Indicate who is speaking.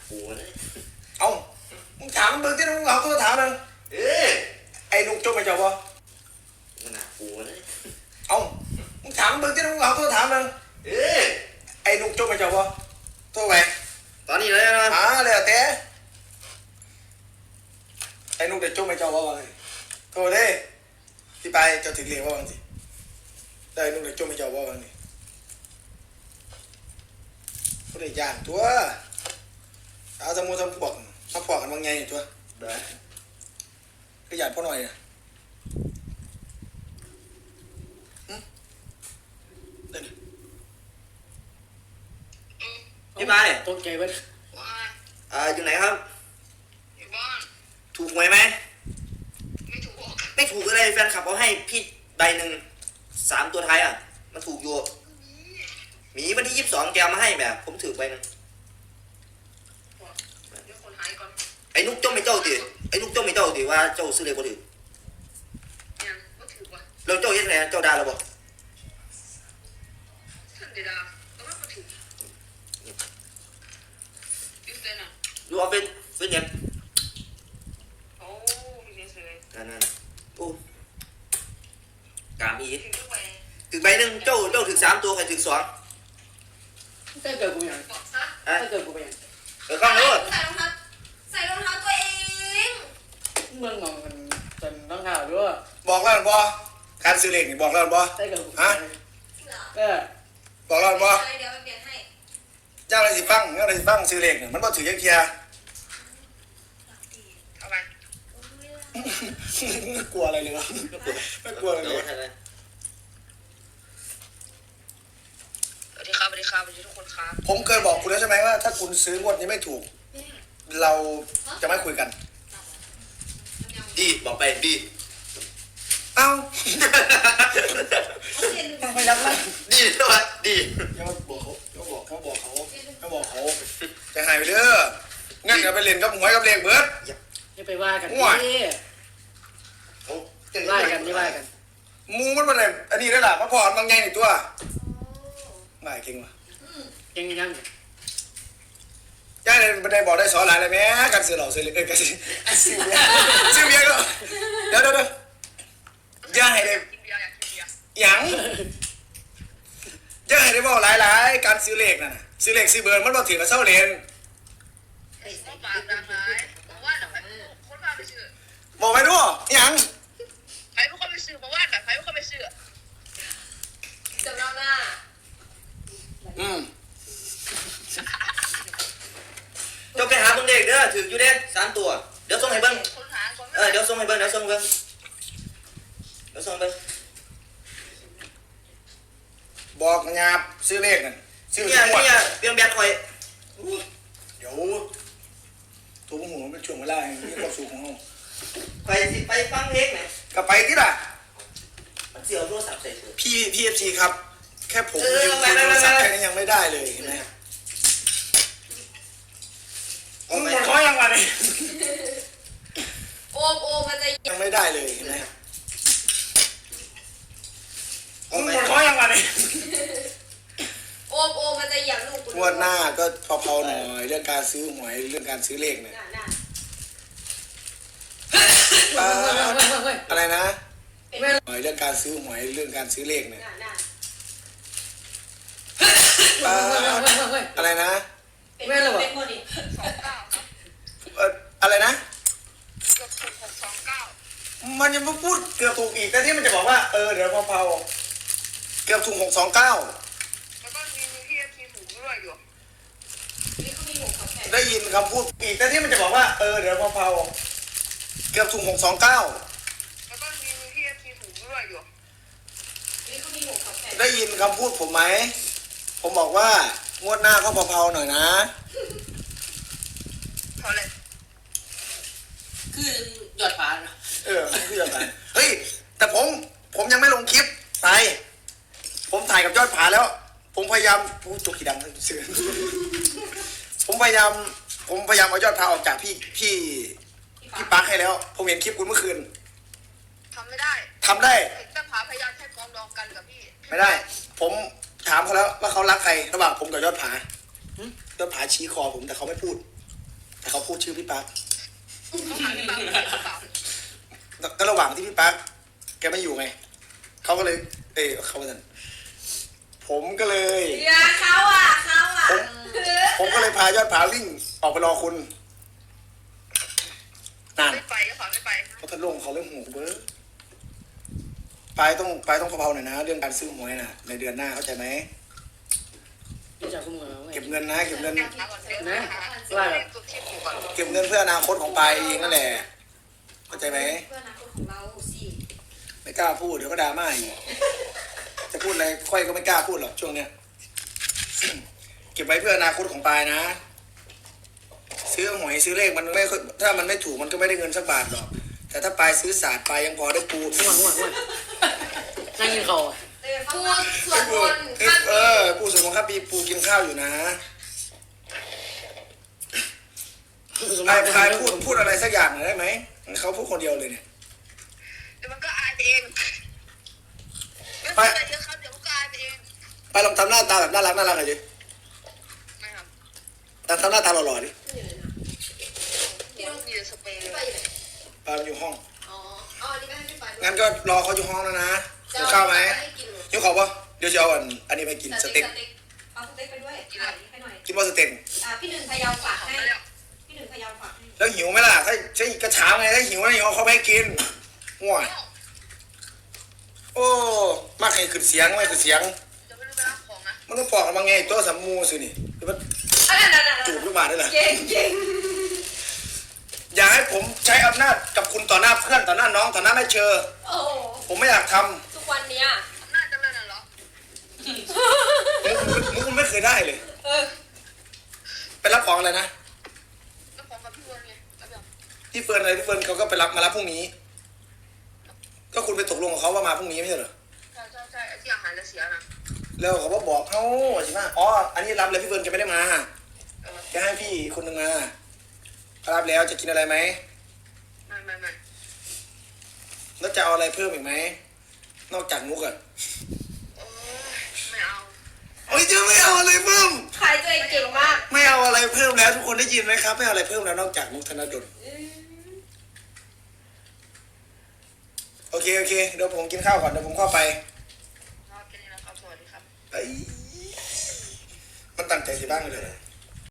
Speaker 1: กูนะ
Speaker 2: เอ้ามึงถามมึงที่มึงเอาตัวถามนึงไอ้นุกจบไปเจ้าบ่
Speaker 1: มันหนักกูนะ
Speaker 2: เอ้ามึงถามมึงที่มึงเอาตัวถามนึงไอ้นุกจบไปเจ้าบ่ตัวไป
Speaker 1: ตอนนี้เลยนะ
Speaker 2: เลยแต่ไอ้นุกได้จบไปเจ้าบ่วะตัวเด้ที่ไปเจ้าถึงเรียกว่าบางสิได้นุกได้จบไปเจ้าบ่บางสิผู้ใดย่านตัวเอาสมุนทำพวกมาพวกกันบางไงตัว
Speaker 1: ได้
Speaker 2: ก็ย่านพ่อหน่อย
Speaker 1: พี่ไป
Speaker 3: ตกใจเว้ย
Speaker 1: อยู่ไหนครับ
Speaker 4: อยู่บ้าน
Speaker 1: ถูกหวยไหม
Speaker 4: ไม่ถูก
Speaker 1: ไม่ถูกอะไรแฟนคลับเอาให้พี่ใบหนึ่ง3 ตัวท้ายอ่ะมันถูกอยู่มีวันที่22แกมาให้แบบผมถือใบนึง
Speaker 4: เดี๋ยวคนหายก่อน
Speaker 1: ไอ้นุกจ้องไม่เจ้าดิไอ้นุกจ้องไม่เจ้าดิว่าเจ้าซื้อเลยบ่ถือ
Speaker 4: ยังก็ถือว่ะ
Speaker 1: เราเจ้ายังไงเจ้าด่าเราบ่
Speaker 4: ท่านเดดาแต่ว่าก็ถือยูเซนอ่ะ
Speaker 1: ดูเอาเป็นเนี่ย
Speaker 4: โอ้มีเงินเลย
Speaker 1: นั่นโอ้กามอี
Speaker 4: ถือด้วย
Speaker 1: ถือใบหนึ่งเจ้าถือ3 ตัวใครถือ2
Speaker 3: ถ้าเกิดกูยังถ้าเกิดกูยัง
Speaker 1: ข้างโน้น
Speaker 4: ใส่รองเท้าตัวเอง
Speaker 3: เมืองมองมันเป็นต้องข่าวด้วย
Speaker 2: บอกแล้วบ่การซื้อเลขนี่บอกแล้วบ่
Speaker 3: ถ้าเกิด
Speaker 2: ฮะบอกแล้วบ่
Speaker 4: เดี๋ยวไปเปลี่ยนให้
Speaker 2: ย่างอะไรสิฟังซื้อเลขมันบ่ถือยังเทีย
Speaker 4: เอาไป
Speaker 2: กลัวอะไรเลยวะไม่กลัวอะไรเลย
Speaker 4: สวัสดีครับสวัสดีครับสวัสดีทุกคนครับ
Speaker 2: ผมเคยบอกคุณแล้วใช่ไหมว่าถ้าคุณซื้องวดนี้ไม่ถูกเราจะไม่คุยกัน
Speaker 1: ดีบอกไปดี
Speaker 2: เอ้าไม่รับเลย
Speaker 1: ดีใช่ไหมดี
Speaker 2: ยังบอกเขาจะหายไปเด้องั้นก็ไปเล่นกับหวยกับเลขเบิร์ด
Speaker 3: อย่าไปว่ากันนี่ว่ากัน
Speaker 2: มูมันเป็นอะไรอันนี้ได้หรอมาพอบางไงในตัวไม่เก่งว่ะ
Speaker 3: เก่งยัง
Speaker 2: ย่าเลยบันไดบอกได้สอนหลายเลยแม่การซื้อเหล่าซื้อเลยการซื้อเบียร์ก็เดี๋ยวย่าให้ได้หยังย่าให้ได้บอกหลายการซื้อเลขน่ะซื้อเลขซื้อเบอร์มันบอกถือกับเส้าเลนบอกไปด้วยหยัง
Speaker 4: ใครผู้คนไปซื้อมาว่าแต่ใครผู้คนไปซื้อจำนำหน้า
Speaker 1: เจ้าไปหาเบิ้งเด็กเด้อถืออยู่เด้3 ตัวเดี๋ยวส่งให้เบิ้งเดี๋ยวส่งให้เบิ้ง
Speaker 2: บอกงาบซื้อเลขนั่นซื้อ
Speaker 1: เนี่ยเปลี่ยนแบตคอย
Speaker 2: เดี๋ยวตัวผมมันเป็นช่วงเวลาที่ความสุขของเรา
Speaker 1: ไปฟังเพลงไหม
Speaker 2: ก็ไปที่ล่ะ
Speaker 1: มันเสียวโทรศัพท์ใส่ตัว
Speaker 2: พี่เอฟซีครับแค่ผมยืมโทรศัพท์แค่นี้ยังไม่ได้เลยเห็นไหมหมดข้อยังวะเนี่ย
Speaker 4: โอมมันจะ
Speaker 2: ยังไม่ได้เลยเห็นไหมหมดข้อยังวะเนี่ย
Speaker 4: โอมมันจะอย่างลูก
Speaker 2: งวดหน้าก็เผาๆหน่อยเรื่องการซื้อหวยเรื่องการซื้อเลขเนี่ยอะไรนะเรื่องการซื้อหวยเรื่องการซื้อเลขเนี่ยอะไรนะ
Speaker 4: ไม่หรอก
Speaker 2: อะไรนะ
Speaker 4: เกือบถูก629
Speaker 2: มันยังไม่พูดเกือบถูกอีกแต่ที่มันจะบอกว่าเดี๋ยวเผาเกือบถูก629
Speaker 4: แล้วก็มีที่ทีถูกด้วยอยู่นี่เขามี6
Speaker 2: ได้ยินคำพูดอีกแต่ที่มันจะบอกว่าเดี๋ยวเผาเกือบถูก629
Speaker 4: แล้วก็มีที่ทีถูกด้วยอยู่นี่เขามี6
Speaker 2: ได้ยินคำพูดผมไหมผมบอกว่างวดหน้าก็เผาๆหน่อยนะ
Speaker 4: เพราะอะไร
Speaker 3: คือยอดฟ้า
Speaker 2: คือยอดฟ้าเฮ้ยแต่ผมยังไม่ลงคลิปไปผมถ่ายกับยอดผาแล้วผมพยายามพูดตัวขี้ดังเสือผมพยายามเอายอดผาออกจากพี่ปักให้แล้วผมเห็นคลิปคุณเมื่อคืน
Speaker 4: ทำได้แต่ผาพยายามแค่กองดองกันกับพี่
Speaker 2: ไม่ได้ผมถามเขาแล้วว่าเขารักใครระหว่างผมกับยอดผายอดผาชี้คอผมแต่เขาไม่พูดแต่เขาพูดชื่อพี่ปั๊ก
Speaker 4: เขาหาพี่ปังหรือเปล่า
Speaker 2: ก็ระหว่างที่พี่ปั๊กแกไม่อยู่ไงเขาก็เลย เขาว่าผมก็เลย
Speaker 5: อย่าเขาอ่ะ
Speaker 2: ผมก็เลยพายอดผาวิ่งออกไปรอคุณนั่น
Speaker 4: ไม่ไปก็ขอไม่ไป
Speaker 2: เพราะท่านลงเขาเรื่องหูเบ้อไปต้องเบาๆหน่อยนะ เรื่องการซื้อหวยน่ะ ในเดือนหน้าเข้าใจไหม
Speaker 3: นี่จากคุณหมอไง
Speaker 2: เก็บเงินนะเก็บเงิน
Speaker 4: นะก่อนเดี๋ยวนะคะตัวคลิปอยู่ก่อน
Speaker 2: เก็บเงินเพื่ออนาคตของปายเองนั่นแหละเข้าใจไหม
Speaker 5: เพื่ออนาคตของเราสิ
Speaker 2: ไม่กล้าพูดเดี๋ยวก็ดราม่าอีกจะพูดอะไรค่อยก็ไม่กล้าพูดหรอกช่วงเนี้ย เก็บไว้เพื่ออนาคตของปายนะ ซื้อหวยซื้อเลขมันไม่ค่อยถ้ามันไม่ถูกมันก็ไม่ได้เงินสักบาทหรอก แต่ถ้าปายซื้อศาสตร์ปายยังพอได้ปู
Speaker 3: ง่วงนั่งกินข้าว
Speaker 5: พูดสวดมนต์ข้าม
Speaker 2: ปูสมองครับปีปูกินข้าวอยู่นะปายพูดอะไรสักอย่างหน่อยได้ไหมเขาพูดคนเดียวเลยเนี่ย
Speaker 4: เดี๋ยวมันก็อายไปเองไม่เป็นไรเยอะครับเดี๋ยวมันก็อายไปเอง
Speaker 2: ไปลองทำหน้าตาแบบน่ารักหน่อยดิ
Speaker 4: ไม่ครับ
Speaker 2: ทำหน้าตาหล่อๆดิ
Speaker 4: พี่ต้องมีสเปรย์
Speaker 5: พี่
Speaker 4: เล
Speaker 5: ไป
Speaker 4: ย
Speaker 5: อยู่ไหน
Speaker 2: ปายอยู่ห้อง
Speaker 5: อ๋ออันนี้ไม่ให้พี่ไปด้วย
Speaker 2: งั้นก็รอเขาอยู่ห้องแล้วนะหิวข้าวไหม
Speaker 5: ให้กิน
Speaker 2: หิวข้าวปะเดี๋ยวจะเอาอันนี้ไปกินสเต็ก
Speaker 5: เอาสเต็กไปด้วยถ่ายให้หน่อย
Speaker 2: กินว่าสเต็ก
Speaker 5: พี่หนึ่งพยาวฝาก
Speaker 4: ของ
Speaker 5: ให้
Speaker 4: ไม่แล้ว
Speaker 5: พี่หนึ่งพยาวฝากให้
Speaker 2: แล้วหิวไหมล่ะถ้าใช่กระเช้าไงถ้าหิวนะหิวเอาเขาไปให้กินง่วงโอ้มากให้ขึ้นเสียงไม่ขึ้นเสียง
Speaker 4: จะไม่รู้ไปรับของนะ
Speaker 2: มันต้องปอกมาไงตัวสามมูสินี่หรือว่า
Speaker 5: นั่น
Speaker 2: จูบขึ้นมาได้เหรอ
Speaker 5: เก่ง
Speaker 2: อย่าให้ผมใช้อำนาจกับคุณต่อหน้าเพื่อนต่อหน้าน้องต่อหน้าแม่เชอ
Speaker 5: โอ้
Speaker 2: ผมไม่อยากท
Speaker 5: ทุกวันเนี้ย
Speaker 4: น่าจะเลิกน่ะเหรอ
Speaker 2: ำมึงไม่เคยได้เลยไปรับของอะไรนะ
Speaker 4: แล้วของกับพี่เวิร์นไงแล้วแบบ
Speaker 2: พี่เฟิร์นอะไรพี่เฟิร์นเขาก็ไปรับมารับพรุ่งนี้ ก็คุณไปตกลงกับเขาว่ามาพรุ่งนี้ไม่ใช่เหรอ
Speaker 4: ใช่ไอ้ที่อาหารจะเสียนะ
Speaker 2: แล้วเขาบอกเขาใช่ไหมอ๋ออันนี้รับเลยพี่เฟิร์นแกไม่ได้มา
Speaker 4: เออ
Speaker 2: แกให้พี่คนหนึ่งมารับแล้วจะกินอะไรไหม
Speaker 4: ไม่
Speaker 2: แล้วจะเอาอะไรเพิ่มอีกไหมนอกจากมุกอะ
Speaker 4: โอ้ยไม่เอา
Speaker 2: โอ้ยจะไม่เอาอะไรเพิ่ม
Speaker 5: ขายตัวเองเก่งมาก
Speaker 2: ไม่เอาอะไรเพิ่มแล้วทุกคนได้ยินไหมครับไม่เอาอะไรเพิ่มแล้วนอกจากมุกธนดลโอเคเดี๋ยวผมกินข้าวก่อนเดี๋ยวผมเข้าไป
Speaker 4: ครับแค่นี้นะครับสวัสดีครับ
Speaker 2: ไอ้มันตั้งใจสิบ้างเลยเหรอ